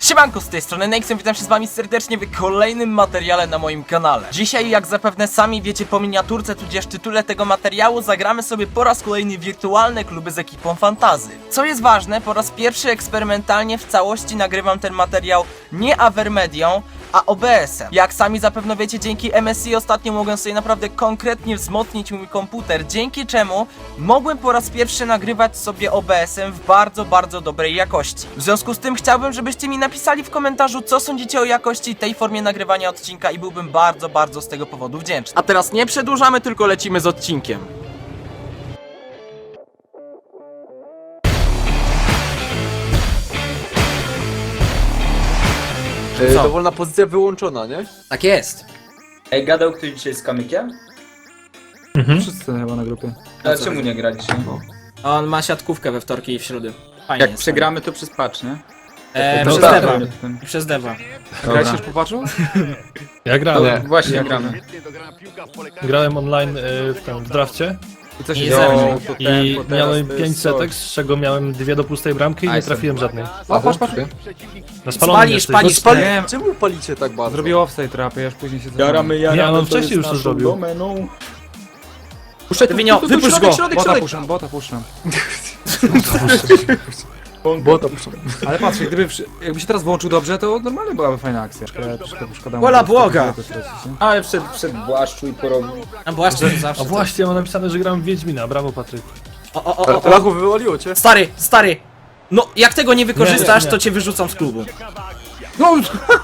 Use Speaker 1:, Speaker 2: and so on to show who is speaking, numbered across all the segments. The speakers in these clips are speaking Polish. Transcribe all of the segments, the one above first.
Speaker 1: Siemanko, z tej strony Nexon, witam się z wami serdecznie w kolejnym materiale na moim kanale. Dzisiaj, jak zapewne sami wiecie po miniaturce tudzież tytule tego materiału, zagramy sobie po raz kolejny wirtualne kluby z ekipą Fantazy. Co jest ważne, po raz pierwszy eksperymentalnie w całości nagrywam ten materiał nie Avermedią, a OBS-em. Jak sami zapewne wiecie, dzięki MSI ostatnio mogłem sobie naprawdę konkretnie wzmocnić mój komputer, dzięki czemu mogłem po raz pierwszy nagrywać sobie OBS-em w bardzo dobrej jakości. W związku z tym chciałbym, żebyście mi napisali w komentarzu, co sądzicie o jakości tej formie nagrywania odcinka i byłbym bardzo z tego powodu wdzięczny. A teraz nie przedłużamy, tylko lecimy z odcinkiem. Co?
Speaker 2: Dowolna pozycja wyłączona, nie?
Speaker 1: Tak jest.
Speaker 3: Ej, gadał ktoś dzisiaj z Kamykiem?
Speaker 4: Wszyscy chyba na grupie.
Speaker 3: A czemu nie gra dzisiaj?
Speaker 1: On ma siatkówkę we wtorki i w środę. Fajnie
Speaker 3: Jak
Speaker 1: jest.
Speaker 3: przegramy to przez patch, nie?
Speaker 1: Przez
Speaker 2: tak.
Speaker 1: Deva. Przez Deva.
Speaker 4: Grałeś już po patchu?
Speaker 5: Ja grałem.
Speaker 2: Nie.
Speaker 3: Właśnie gramy.
Speaker 5: Grałem online w drafcie
Speaker 4: I co się
Speaker 1: Nie
Speaker 4: działo?
Speaker 5: i miałem 5 setek, z czego miałem 2 do pustej bramki i nie trafiłem żadnej.
Speaker 4: Patrz.
Speaker 5: Na spalonym jesteś.
Speaker 1: Palisz.
Speaker 4: Nie,
Speaker 2: Czemu palicie tak bardzo?
Speaker 4: zrobił offside trapy, ja już później się
Speaker 3: Jaramy,
Speaker 5: Nie, on wcześniej już to zrobił.
Speaker 3: Domeną.
Speaker 1: Dywinio, wypuść go!
Speaker 4: Bota puszczam.
Speaker 2: Bota puszczam.
Speaker 4: Ale patrz, jakby się teraz włączył dobrze, to normalnie byłaby fajna akcja. Troszkę szkoda.
Speaker 1: Wola błoga!
Speaker 3: Ale wszedł Błaszczu i porobił.
Speaker 1: A właśnie, to zawsze.
Speaker 5: A właśnie, mam napisane, że gram w Wiedźmina. Brawo, Patryk.
Speaker 1: O.
Speaker 2: Lachu wywaliło cię?
Speaker 1: Stary! No, jak tego nie wykorzystasz,
Speaker 5: Nie.
Speaker 1: to cię wyrzucam z klubu.
Speaker 4: No!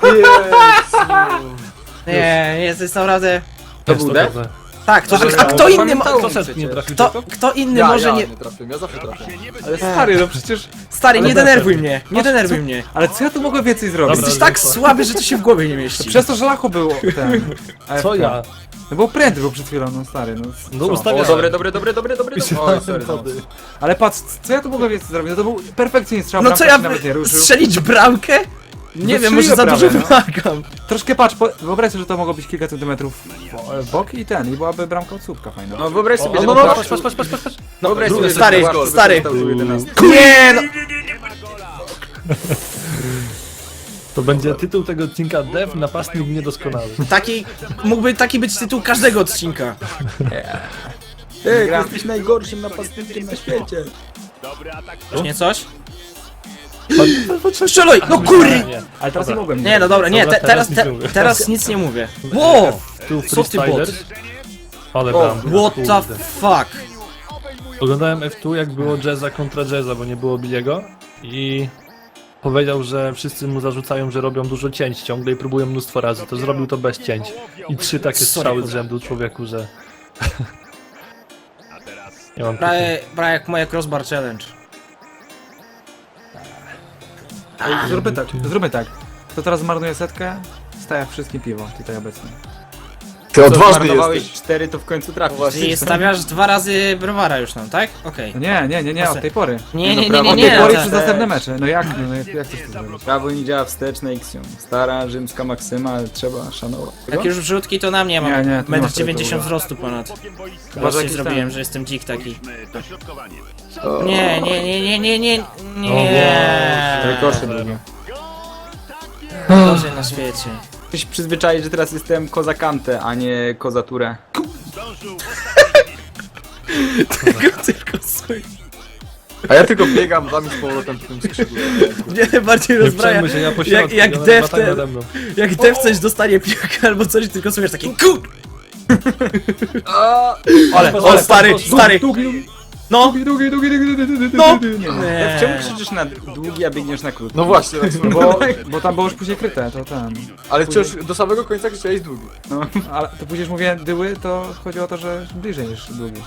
Speaker 1: Nie, jesteś naprawdę...
Speaker 5: To
Speaker 3: był def?
Speaker 1: Tak, a kto inny ma...
Speaker 5: Kto setki nie trafił?
Speaker 1: Kto inny
Speaker 2: Ja
Speaker 1: może nie...
Speaker 2: nie trafiłem, ja zawsze trafię.
Speaker 4: Ale stary, no przecież...
Speaker 1: Stary, nie denerwuj mnie, nie denerwuj mnie.
Speaker 4: Ale co ja tu mogę więcej zrobić?
Speaker 5: Dobra.
Speaker 1: Jesteś tak słaby, że to się w głowie nie mieści.
Speaker 4: Przez to, że Lachu był ten...
Speaker 5: Co
Speaker 4: AFK.
Speaker 5: ja?
Speaker 4: No był pręd, był przed chwilą, no stary, no
Speaker 5: No
Speaker 4: co?
Speaker 5: ustawiam.
Speaker 3: Dobre. Oj, sorry. No.
Speaker 4: Ale patrz, co ja tu mogę więcej zrobić? No to był perfekcyjny strzał,
Speaker 1: No co
Speaker 4: bramka
Speaker 1: ja...
Speaker 4: się nawet nie ruszył.
Speaker 1: Strzelić bramkę? Nie wiem, może za dużo
Speaker 4: prawie, no.
Speaker 1: wymagam.
Speaker 4: Troszkę patrz, wyobraź sobie, że to mogło być kilka centymetrów w bok i byłaby bramka od słupka fajna.
Speaker 3: No wyobraź sobie, że
Speaker 5: No,
Speaker 3: Błaszczu-
Speaker 5: patrz.
Speaker 3: Wyobraź sobie, że
Speaker 1: stary,
Speaker 3: Błaszczu
Speaker 1: stary.
Speaker 3: wykorzystał tu 11.
Speaker 1: Nie no!
Speaker 5: To będzie tytuł tego odcinka Dev, napastnik niedoskonały.
Speaker 1: Mógłby taki być tytuł każdego odcinka.
Speaker 3: Ej, jesteś najgorszym napastnikiem na świecie.
Speaker 1: Nie coś? Strzelaj! No kurry!
Speaker 5: Nie.
Speaker 4: Ale teraz nie mogłem.
Speaker 1: Nie, no dobra, nie,
Speaker 5: Dobra, teraz nic nie mówię.
Speaker 1: teraz nic nie mówię. Wow!
Speaker 5: Tu
Speaker 1: Co ty bot?
Speaker 5: freestyler. Ale bram.
Speaker 1: What the fuck?
Speaker 5: Oglądałem F2 jak było Jazza kontra Jazza, bo nie było Billiego i powiedział, że wszyscy mu zarzucają, że robią dużo cięć ciągle i próbują mnóstwo razy. To zrobił to bez cięć. I 3 takie strzały z rzędu człowieku, że... Nie mam
Speaker 1: Prawie jak moje crossbar challenge.
Speaker 4: Zróbmy tak. Kto teraz zmarnuje setkę, staje wszystkim piwo, tutaj obecnie.
Speaker 2: Ty odważny
Speaker 3: Zmarnowałeś
Speaker 2: jesteś.
Speaker 3: 4, to w końcu trafisz.
Speaker 1: Czyli stawiasz 2 razy browara już tam, tak? Okej.
Speaker 4: No nie, od tej pory.
Speaker 1: Nie,
Speaker 4: Od tej pory
Speaker 3: nie.
Speaker 4: przez następne mecze. No jak chcesz to zrobić?
Speaker 3: Prawo nie działa wstecz na Ixion. Stara rzymska maksyma, ale trzeba szanować.
Speaker 1: Jak już wrzutki, to na mnie mam
Speaker 4: Nie, to nie ma
Speaker 1: 1,90 m
Speaker 4: tego.
Speaker 1: wzrostu ponad.
Speaker 4: że
Speaker 1: Właśnie
Speaker 4: jakiś
Speaker 1: zrobiłem,
Speaker 4: ten-
Speaker 1: że jestem dzik taki.
Speaker 2: O.
Speaker 1: Nie.
Speaker 3: Rekosze drugie.
Speaker 1: Gorzej na świecie.
Speaker 3: Ktoś przyzwyczaić, że teraz jestem kozakante, a nie kozaturę.
Speaker 1: Tylko swój.
Speaker 2: A ja tylko biegam za mi z powrotem po tym skrzydle.
Speaker 1: Mnie bardziej
Speaker 5: Nie
Speaker 1: rozbraja.
Speaker 5: przejmuj się, ja po środku,
Speaker 1: Jak
Speaker 5: one
Speaker 1: Dev
Speaker 5: latają
Speaker 1: ten-
Speaker 5: nade mną.
Speaker 1: Jak Dev coś dostanie piłkę albo coś, tylko słyszysz taki KUR! Ale stary! No! No!
Speaker 3: Czemu krzyczysz na długi, a biegniesz na krótki?
Speaker 2: No właśnie, tak sobie.
Speaker 4: Bo tam było już później kryte, to ten.
Speaker 2: Ale wciąż do samego końca chciałeś długi.
Speaker 4: Ale to później już mówię dyły, to chodziło o to, że bliżej niż długi.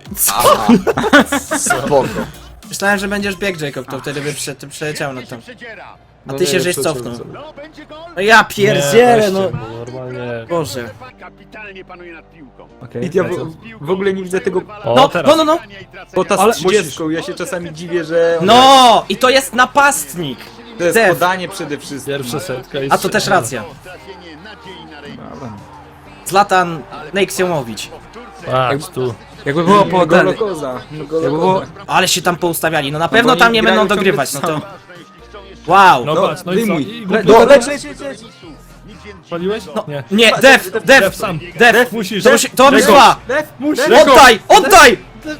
Speaker 2: Spoko.
Speaker 1: Myślałem, że będziesz bieg, Jacob, to wtedy by przeleciał nad tam. A
Speaker 2: No
Speaker 1: ty
Speaker 2: nie,
Speaker 1: się żeś
Speaker 2: przeciąłem
Speaker 1: cofnął.
Speaker 2: sobie.
Speaker 1: No ja pierdzielę, no!
Speaker 5: Normalnie...
Speaker 1: Boże.
Speaker 6: Kapitalnie panuje nad piłką.
Speaker 4: Okej.
Speaker 3: Ja w ogóle nie widzę tego
Speaker 5: O,
Speaker 1: No,
Speaker 5: teraz.
Speaker 1: no!
Speaker 3: pota
Speaker 4: Ale
Speaker 3: z 30. Ja się czasami dziwię, że
Speaker 1: No! I to jest napastnik!
Speaker 3: to jest
Speaker 1: Dev.
Speaker 3: podanie przede wszystkim.
Speaker 5: Pierwsza setka i
Speaker 1: A to też racja.
Speaker 6: Trafienie nadziei na rejestr.
Speaker 4: Dobra.
Speaker 1: Zlatan Nexiomowicz.
Speaker 5: Patrz tu.
Speaker 4: Jakby było po ten,
Speaker 3: Golokoza.
Speaker 4: jakby było,
Speaker 1: Ale się tam poustawiali, no na pewno tam nie będą dogrywać, no to...
Speaker 6: Jeśli chcą jeszcze
Speaker 7: Wow!
Speaker 5: No patrz, no i co?
Speaker 3: wyjmuj.
Speaker 5: I
Speaker 3: Le-
Speaker 5: głupio-
Speaker 3: leć.
Speaker 5: Paliłeś? Nie.
Speaker 7: Nie,
Speaker 5: Def
Speaker 7: Def!
Speaker 5: sam.
Speaker 7: Def!
Speaker 5: Musisz.
Speaker 7: To mi trwa! Oddaj! Oddaj!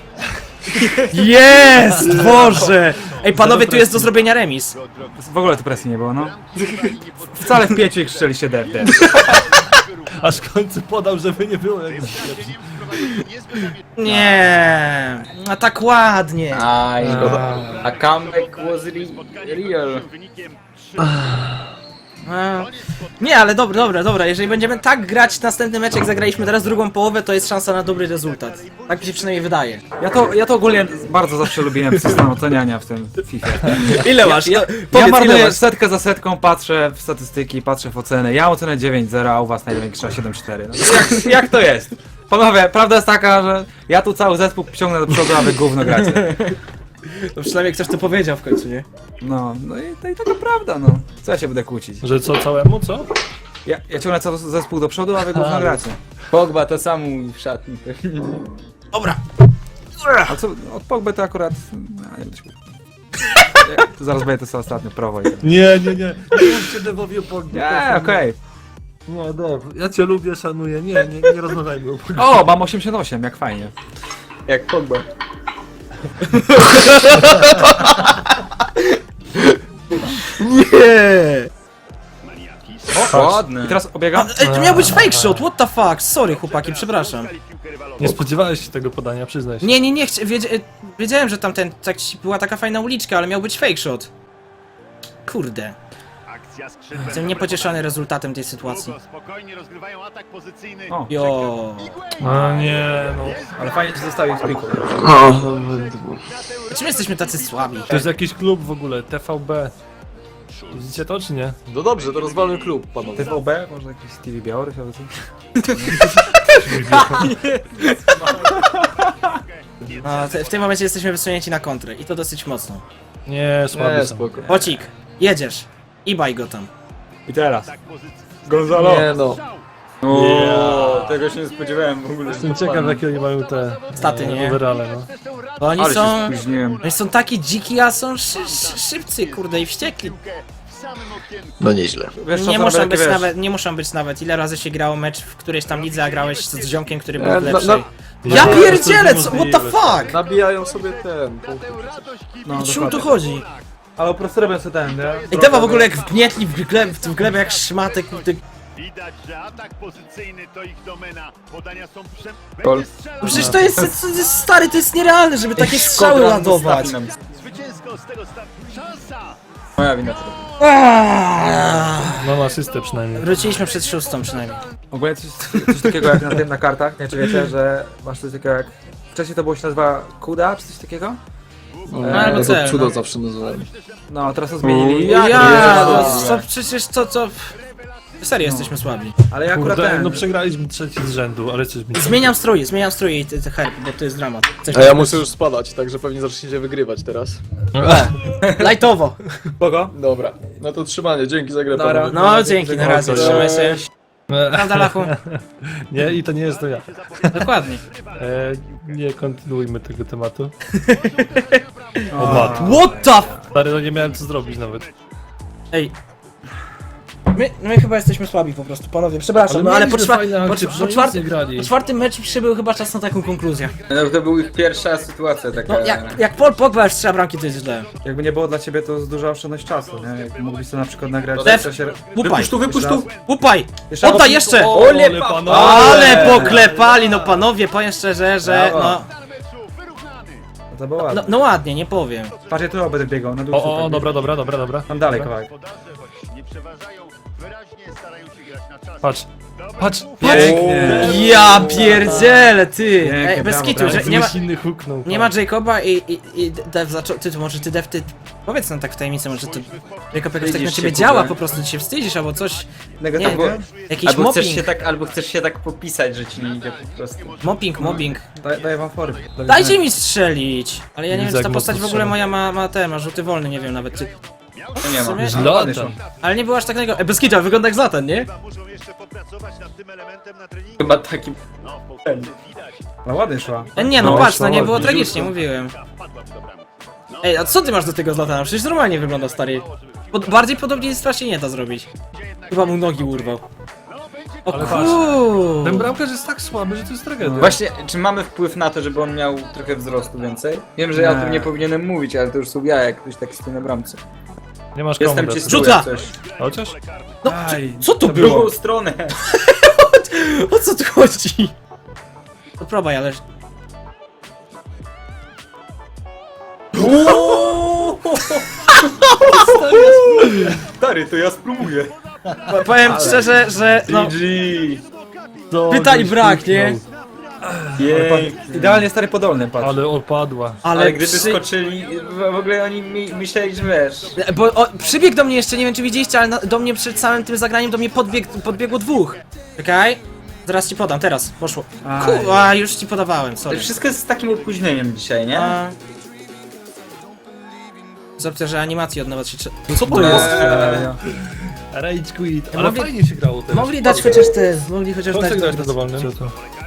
Speaker 7: Jest! Boże! Ej, panowie, tu jest do zrobienia remis.
Speaker 3: W ogóle tu presji nie było, no. Wcale w 5 ich strzeliście def.
Speaker 5: Aż w końcu podał, żeby nie było jak
Speaker 7: Nie, a tak ładnie.
Speaker 3: Aj, a comeback was real.
Speaker 7: Nie, ale dobra, jeżeli będziemy tak grać następny mecz, jak zagraliśmy teraz drugą połowę, to jest szansa na dobry rezultat. Tak mi się przynajmniej wydaje.
Speaker 3: Ja to ogólnie bardzo zawsze lubiłem system oceniania w tym FIFA.
Speaker 7: Ile masz?
Speaker 3: Ja
Speaker 7: Powiedz, ile
Speaker 3: marnuję
Speaker 7: masz?
Speaker 3: setkę za setką, patrzę w statystyki, patrzę w ocenę. Ja ocenę 9-0, a u was największa 7-4. No, jak to jest? Panowie, prawda jest taka, że ja tu cały zespół ciągnę do przodu, a wy gówno gracie.
Speaker 7: No przynajmniej ktoś to powiedział w końcu, nie?
Speaker 3: No i taka prawda, no. Co ja się będę kłócić?
Speaker 5: Że co całemu, co?
Speaker 3: Ja ciągnę cały zespół do przodu, a wy gówno gracie. Pogba to sam mówi w szatni.
Speaker 7: Dobra.
Speaker 3: A co, od Pogby to akurat... No, nie będę się kłócił. To zaraz będzie to co ostatnio, prawo i...
Speaker 5: Nie. Nie mówcie Devowi o Pogba.
Speaker 3: Nie, okej.
Speaker 5: Nie, Dev, ja cię lubię, szanuję. Nie rozmawiajmy o Pogba.
Speaker 3: O, mam 88, jak fajnie. Jak Pogba.
Speaker 7: Nie!
Speaker 3: Ładny. I teraz obiegam?
Speaker 7: To miał być fake shot, what the fuck? Sorry chłopaki, przepraszam.
Speaker 5: Nie spodziewałeś się tego podania, przyznaj się.
Speaker 7: Nie, wiedziałem, że tamten, była taka fajna uliczka, ale miał być fake shot. Kurde.
Speaker 6: Akcja
Speaker 7: Jestem niepocieszony rezultatem tej sytuacji.
Speaker 6: Spokojnie rozgrywają atak pozycyjny.
Speaker 3: O.
Speaker 7: Jo.
Speaker 5: A nie, no.
Speaker 3: Ale fajnie ci zostawił z piku.
Speaker 7: Czym jesteśmy tacy słabi?
Speaker 5: To jest jakiś klub w ogóle, TVB. Widzicie to czy nie?
Speaker 2: No dobrze, to rozwalmy klub, panowie.
Speaker 3: TVB? Może jakiś Stevie Białorys albo coś?
Speaker 7: A, w tym momencie jesteśmy wysunięci na kontrę i to dosyć mocno.
Speaker 5: Nie, słaby
Speaker 2: Nie,
Speaker 5: są.
Speaker 2: spoko.
Speaker 7: Bocik, jedziesz. I baj go tam.
Speaker 3: I teraz.
Speaker 2: Gonzalo! Nie no.
Speaker 3: O, tego się nie spodziewałem w ogóle.
Speaker 5: Jestem ciekaw jakie oni mają te
Speaker 7: Staty, nie?
Speaker 5: overale, no.
Speaker 7: Bo oni
Speaker 3: Ale się
Speaker 7: są...
Speaker 3: spóźniłem.
Speaker 7: Oni są taki dziki, a są szybcy, kurde, i wściekli.
Speaker 6: W samym okienku.
Speaker 2: No nieźle.
Speaker 3: Wiesz,
Speaker 7: Nie
Speaker 3: czasem
Speaker 7: muszą
Speaker 3: takie,
Speaker 7: być
Speaker 3: wiesz,
Speaker 7: nawet, nie muszą być nawet. Ile razy się grało mecz w którejś tam lidze, a grałeś z ziomkiem, który był w lepszej. Ja
Speaker 5: No,
Speaker 7: pierdzielę,
Speaker 5: to jest
Speaker 7: co, what the
Speaker 5: niemożliwe.
Speaker 7: fuck?
Speaker 2: Nabijają sobie ten punkt.
Speaker 3: No,
Speaker 7: O czym tu
Speaker 3: dokładnie.
Speaker 7: chodzi?
Speaker 3: Ale po prostu robię sobie ten, nie?
Speaker 7: Ej, Dewa w ogóle jak wgnietli w glebę jak szmatek, kurde.
Speaker 6: Widać, że atak pozycyjny to ich domena. Podania są
Speaker 3: Gol.
Speaker 6: Będzie strzelał.
Speaker 7: Przecież to jest stary, to jest nierealne, żeby takie strzały ładować.
Speaker 6: Zwycięsko z tego startu. Szansa!
Speaker 3: Moja wina to.
Speaker 7: Aaaa.
Speaker 5: Mam asystę przynajmniej.
Speaker 7: Wróciliśmy przed szóstą przynajmniej.
Speaker 3: Ogólnie coś takiego jak na kartach, nie czy wiecie, że masz coś takiego jak... Wcześniej to było się nazywa Kuda, czy coś takiego?
Speaker 7: albo
Speaker 2: to
Speaker 7: cel,
Speaker 2: cudo
Speaker 7: no.
Speaker 2: zawsze nazywałem.
Speaker 3: No, teraz to zmienili.
Speaker 7: Ja,
Speaker 3: Jezu.
Speaker 7: to przecież to... Serio jesteśmy słabi.
Speaker 3: Ale ja akurat
Speaker 5: Kurde,
Speaker 3: ten...
Speaker 5: no przegraliśmy trzeci z rzędu, ale coś mi...
Speaker 7: Zmieniam stroje i te herb, bo to jest dramat. Coś
Speaker 2: A ja muszę już spadać, także pewnie zaczniecie wygrywać teraz.
Speaker 7: Lightowo.
Speaker 3: Kogo?
Speaker 2: Dobra, no to trzymanie, dzięki za grę,
Speaker 3: Dobra.
Speaker 2: panowie.
Speaker 7: No dzięki, na razie, trzymaj się.
Speaker 5: E,
Speaker 7: Prawda, Lachu?
Speaker 5: Nie, i to nie jest to ja.
Speaker 7: Dokładnie.
Speaker 5: Nie kontynuujmy tego tematu. O mat.
Speaker 7: What the f...
Speaker 5: Stary, no nie miałem co zrobić nawet.
Speaker 7: Ej. My chyba jesteśmy słabi po prostu, panowie, przepraszam, no ale po czwartym meczu przybył chyba czas na taką konkluzję.
Speaker 3: No, to była ich pierwsza sytuacja taka.
Speaker 7: No jak Paul Pogba już strzela bramki, to jest źle.
Speaker 3: Jakby nie było dla ciebie, to jest duża oszczędność czasu, nie? Jak mógłbyś to na przykład nagrać
Speaker 7: Def,
Speaker 3: w czasie...
Speaker 7: Łupaj,
Speaker 3: wypuść tu!
Speaker 7: łupaj!
Speaker 3: Jeszcze
Speaker 7: Oddaj
Speaker 3: raz.
Speaker 7: jeszcze!
Speaker 5: Ole panowie!
Speaker 7: Ale poklepali, no panowie, powiem szczerze, że no...
Speaker 3: No to było ładne.
Speaker 7: No ładnie, nie powiem.
Speaker 3: Patrz, ja tu będę biegał, na dół.
Speaker 5: O, dobra.
Speaker 3: Tam dalej kawałek.
Speaker 6: Podarze choć nie przeważają, wyraźnie starają się grać na czas.
Speaker 5: Patrz!
Speaker 3: Pięknie!
Speaker 7: Ja pierdzielę, ty!
Speaker 3: Pięknie,
Speaker 7: Ej, bez
Speaker 3: brawo,
Speaker 7: kitu,
Speaker 3: brawo.
Speaker 7: że nie ma...
Speaker 5: inny huknął.
Speaker 7: Nie ma Jacoba i Dev zaczął... Ty, może ty Dev, ty... Powiedz nam tak w tajemnicy, może to... Jacob jakoś tak na ciebie działa, po prostu ty się wstydzisz, albo coś... Nie
Speaker 3: Negatywnie?
Speaker 7: jakiś
Speaker 8: Albo chcesz się tak popisać, że ci nie idzie po prostu.
Speaker 7: mobbing.
Speaker 3: Daję wam fory.
Speaker 7: Dajcie mi strzelić! Ale ja nie wiem, czy ta
Speaker 5: Izak
Speaker 7: postać w
Speaker 5: mocno
Speaker 7: ogóle
Speaker 5: strzela.
Speaker 7: moja ma rzuty wolne, nie wiem nawet czy...
Speaker 8: Nie ma.
Speaker 7: W sumie-
Speaker 5: Zlatan.
Speaker 7: Ale nie było aż takiego... Bez kitu, ale wygląda jak Zlatan, nie?
Speaker 6: Chyba muszą jeszcze popracować nad tym elementem na treningu.
Speaker 8: Chyba taki...
Speaker 6: No, po prostu widać.
Speaker 3: No ładnie szła.
Speaker 7: Nie no,
Speaker 5: No,
Speaker 7: patrz, no nie
Speaker 5: szło
Speaker 7: było
Speaker 5: ładnie,
Speaker 7: tragicznie, mówiłem. Ej, a co ty masz do tego Zlatana? Przecież normalnie wygląda, stary. Bardziej podobnie strasznie nie da zrobić. Chyba mu nogi urwał. O
Speaker 5: Ale patrz,
Speaker 7: kur...
Speaker 5: ten bramkarz jest tak słaby, że to jest tragedia.
Speaker 8: Właśnie, czy mamy wpływ na to, żeby on miał trochę wzrostu więcej? Wiem, że ja o tym nie powinienem mówić, ale to już są ja, jak ktoś taki stoi na bramce.
Speaker 5: Nie masz
Speaker 8: Jestem
Speaker 5: komu
Speaker 8: ci
Speaker 5: dać.
Speaker 7: Rzuca!
Speaker 8: coś.
Speaker 5: Chociaż?
Speaker 7: No,
Speaker 3: Aj.
Speaker 7: co to
Speaker 8: W
Speaker 7: było?
Speaker 8: drugą stronę.
Speaker 7: O co tu chodzi? To probaj, ale...
Speaker 8: Stary, to ja spróbuję.
Speaker 7: Powiem szczerze, że no...
Speaker 8: GG.
Speaker 5: To
Speaker 7: Pytań
Speaker 5: żeś
Speaker 7: brak, nie?
Speaker 5: kliknął.
Speaker 8: Jej.
Speaker 3: Idealnie stary podolny, patrz.
Speaker 5: Ale opadła.
Speaker 8: Ale gdyby
Speaker 7: przy-
Speaker 8: skoczyli, w ogóle oni myśleli, że wiesz.
Speaker 7: Bo przybiegł do mnie jeszcze, nie wiem czy widzieliście, ale do mnie przed samym tym zagraniem do mnie podbiegło dwóch. Czekaj. Zaraz ci podam, teraz, poszło.
Speaker 3: Aj.
Speaker 7: Kurwa, już ci podawałem,
Speaker 8: To
Speaker 7: sorry.
Speaker 8: wszystko jest z takim opóźnieniem dzisiaj, nie?
Speaker 7: A... Zobacz, że animacji od nowa się...
Speaker 5: Co to jest?
Speaker 3: Eee,
Speaker 5: Rage quit. Ale
Speaker 7: Mogli-
Speaker 5: fajnie się grało teraz.
Speaker 7: Mogli dać chociaż te, mogli chociaż
Speaker 5: Kto chce
Speaker 7: dać...
Speaker 5: grać na dowolnym? Co to?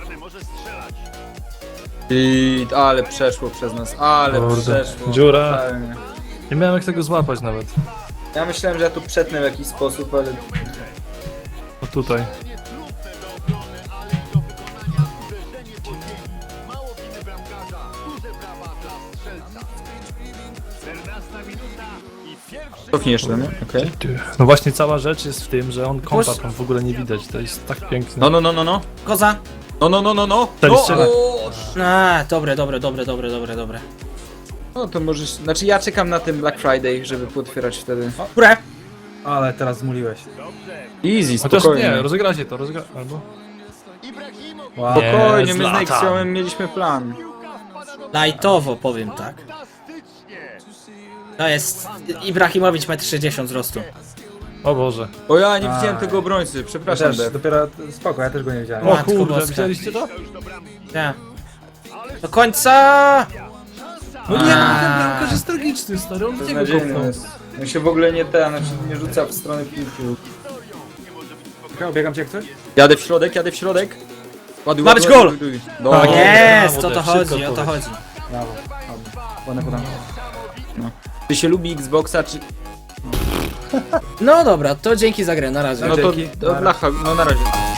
Speaker 8: I ale przeszło przez nas, ale
Speaker 5: Kurde.
Speaker 8: przeszło.
Speaker 5: Dziura.
Speaker 8: Totalnie.
Speaker 5: Nie miałem jak tego złapać nawet.
Speaker 8: Ja myślałem, że ja tu przetnę w jakiś sposób, ale
Speaker 5: O tutaj.
Speaker 8: cofnij jeszcze, nie? Okej.
Speaker 5: No właśnie cała rzecz jest w tym, że on kompa tam w ogóle nie widać. To jest tak piękne.
Speaker 8: No.
Speaker 7: Koza!
Speaker 8: No.
Speaker 5: Ten strzela.
Speaker 7: A, dobre.
Speaker 8: No to możesz, znaczy ja czekam na ten Black Friday, żeby potwierać wtedy.
Speaker 7: Które?
Speaker 3: ale teraz zmuliłeś.
Speaker 8: Easy,
Speaker 5: Chociaż
Speaker 8: spokojnie.
Speaker 5: nie, rozegracie to, albo...
Speaker 3: Wow.
Speaker 8: Spokojnie,
Speaker 5: Nie,
Speaker 8: my z
Speaker 5: Zlatan.
Speaker 8: Nexiomem mieliśmy plan.
Speaker 7: Lightowo, powiem tak. To jest Ibrahimowicz 1,60 m wzrostu.
Speaker 5: O Boże.
Speaker 8: O ja nie widziałem tego obrońcy,
Speaker 3: Ja
Speaker 8: przepraszam,
Speaker 3: też,
Speaker 8: Dev.
Speaker 3: dopiero spoko, ja też go nie widziałem.
Speaker 5: O
Speaker 7: Matko
Speaker 5: kurde,
Speaker 7: boska.
Speaker 5: widzieliście to?
Speaker 7: Nie. Do końca!
Speaker 5: No nie, no ten bramkarz jest tragiczny, stary, on w niego
Speaker 8: Beznadziejny
Speaker 5: kopnął.
Speaker 8: jest. On się w ogóle nie rzuca w stronę piłki.
Speaker 3: Biegam cię jak coś?
Speaker 8: Jadę w środek. Ładuj,
Speaker 7: Ma być
Speaker 8: ładuj,
Speaker 7: gol!
Speaker 8: ładuj. No,
Speaker 5: Tak
Speaker 7: Jest,
Speaker 5: brawo,
Speaker 7: o to
Speaker 5: Dev,
Speaker 7: chodzi,
Speaker 5: szybko
Speaker 7: o to
Speaker 5: odpowiedź.
Speaker 7: chodzi.
Speaker 3: Brawo. Ładne podanie.
Speaker 8: Czy się lubi Xboxa, czy...
Speaker 7: No dobra, to dzięki za grę, na razie.
Speaker 8: No to
Speaker 3: Dzięki.
Speaker 8: blacha, no na razie.